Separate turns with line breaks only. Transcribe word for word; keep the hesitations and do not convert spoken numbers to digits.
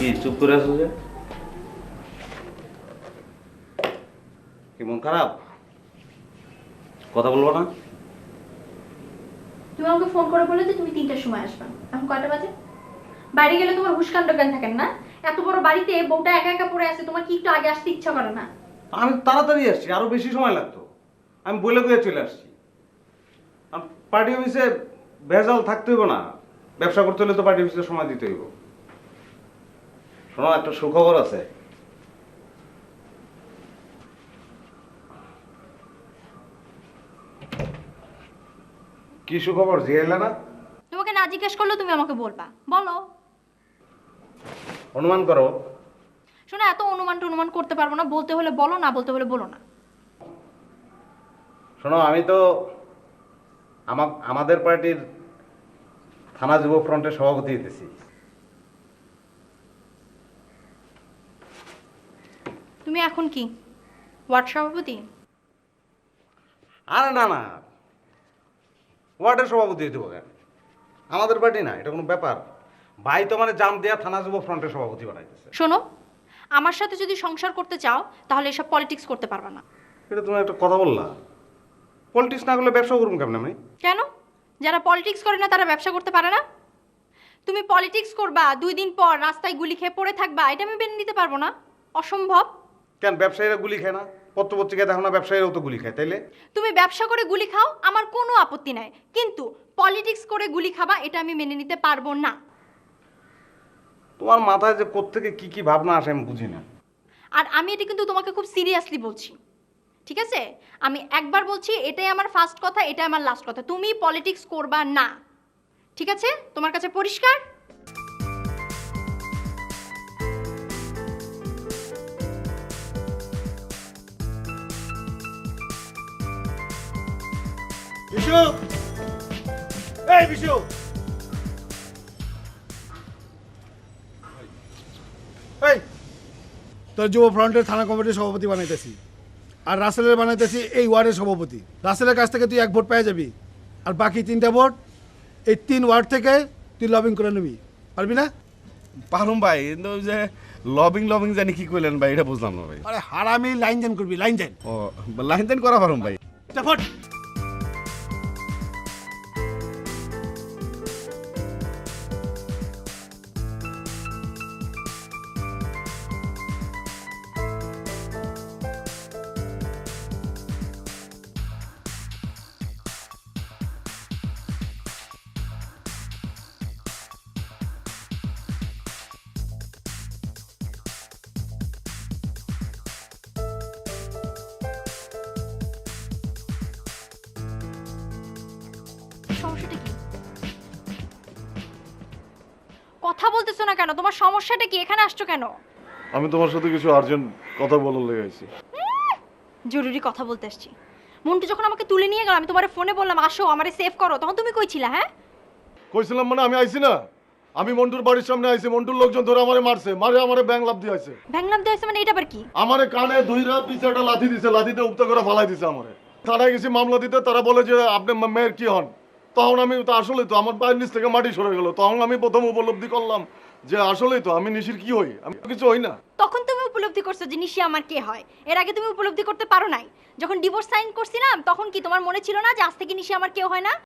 চুপ করে আছো যে? কি মন খারাপ? কথা বলবো না?
তুমি আমাকে ফোন করে বলে যে তুমি তিনটার সময় আসবা। এখন কয়টা বাজে? বাড়ি গেলে তোমার হুশকাণ্ড জ্ঞান থাকেন না? এত বড় বাড়িতে বউটা একা একা পড়ে আছে, তোমার কি একটু আগে আসতে ইচ্ছা করে না?
আমি তাড়াতাড়ি আসছি, আরো বেশি সময় লাগতো। আমি বলে বলে চলে আসছি। পার্টি অফিসে ভেজাল থাকতে হইব না। ব্যবসা করতে হলে তো পার্টি অফিসে সময় দিতে হইব। শোনো, একটা সুখবর আছে। কি সুখবর জিগাইলা না?
তোমাকে না জিজ্ঞেস করলেও তুমি আমাকে বলবা, বলো।
অনুমান করো।
শোনো, এত অনুমান টনুমান করতে পারবো না, বলতে হলে বলো, না বলতে হলে বলো না।
শোনো, আমি তো আমা- আমাদের পার্টির থানা যুব ফ্রন্টের সভাপতি হইতেছি।
তুমি এখন কি ওয়ার্ড সভাপতি?
আরে না না, ওয়ার্ডের সভাপতি হইতে কেন? আমাদের পার্টি না, এটা কোনো ব্যাপার? ভাই তো মানে জাম দেয়া থানা যুব ফ্রন্টের সভাপতি বানাইতেছে।
শোনো, আমার সাথে যদি সংসার করতে চাও তাহলে এসব পলিটিক্স করতে পারবে না।
এটা তুমি একটা কথা বললা। পলিটিক্স না করলে ব্যবসা করুন কেমন আমি?
কেন? যারা পলিটিক্স করে না তারা ব্যবসা করতে পারে না? তুমি পলিটিক্স করবা, দুই দিন পর রাস্তায় গুলি খেয়ে পড়ে থাকবা, এটা আমি মেনে নিতে পারবো না, অসম্ভব।
কেন, ব্যবসায়ীরা গুলি খায় না? পত্র পত্রিকায় দেখো না, ব্যবসায়ীরাও তো গুলি খায়, তাইলে?
তুমি ব্যবসা করে গুলি খাও, আমার কোনো আপত্তি নাই, কিন্তু পলিটিক্স করে গুলি খাবা এটা আমি মেনে নিতে পারবো না।
তোমার মাথায় যে কোত্থেকে কি কি ভাবনা আসে আমি বুঝি না।
আর আমি এটা কিন্তু তোমাকে খুব সিরিয়াসলি বলছি, ঠিক আছে? আমি একবার বলছি, এটাই আমার ফার্স্ট কথা, এটাই আমার লাস্ট কথা, তুমি পলিটিক্স করবা না, ঠিক আছে? তোমার কাছে পরিষ্কার?
বিশু, এই বিশু, এই তোর যুব ফ্রন্টের থানা কমিটির সভাপতি বানাইতেছি, আর রাসেলের বানাইতেছি এই ওয়ার্ডের সভাপতি। রাসেলের কাছ থেকে তুই এক ভোট পেয়ে যাবি, আর বাকি তিনটা ভোট এই তিন ওয়ার্ড থেকে তুই লবিং করে নিবি, পারবি না?
পারুম ভাই, কিন্তু ওই যে লবিং লবিং জানি কি কইলেন ভাই, এটা বুঝলাম না ভাই।
আরে হারামি লাইন দেন করবি, লাইন দেন।
ও, লাইন দেন করা পারুম ভাই।
ভোট
সমস্যাটা কি? কথা বলতেছো না কেন? তোমার সমস্যাটা কি? এখানে আসছো কেন?
আমি তোমার সাথে কিছু আর্জেন্ট কথা বলার লেগে আইছি।
জরুরি কথা বলতে আসছি। মন্টু যখন আমাকে তুলে নিয়ে গেল, আমি তোমার ফোনে বললাম আসো আমারে সেভ করো, তখন তুমি কই ছিলা? হ্যাঁ,
কইছিলাম মানে আমি আইছি না, আমি মন্টুর বাড়ির সামনে আইছি, মন্টুর লোকজন ধরে আমারে মারছে, মারে আমারে ব্যাং লাভ দিয়ে আইছে,
ভ্যাংলাম দেওয়া মানে এটা আবার কি?
আমারে কানে ধইরা পিছাটা লাথি দিছে, লাথিতে উপতা করে ফালাই দিছে আমারে। থানায় গেছি মামলা দিতে, তারা বলে যে আপনি মা- মেয়ের কি হন? তখন আমি তো আসলেই তো আমার পায়ের নিচ থেকে মাটি সরে গেল, তখন আমি প্রথম উপলব্ধি করলাম যে আসলেই তো আমি নিশির কি হই, আমি তো কিছু হই না।
তখন তুমি উপলব্ধি করছো যে নিশি আমার কে হয়। এর আগে তুমি উপলব্ধি করতে পারো নাই। যখন ডিভোর্স সাইন করছিলাম তখন কি তোমার মনে ছিল না যে আজ থেকে নিশি আমার কেউ হয় না?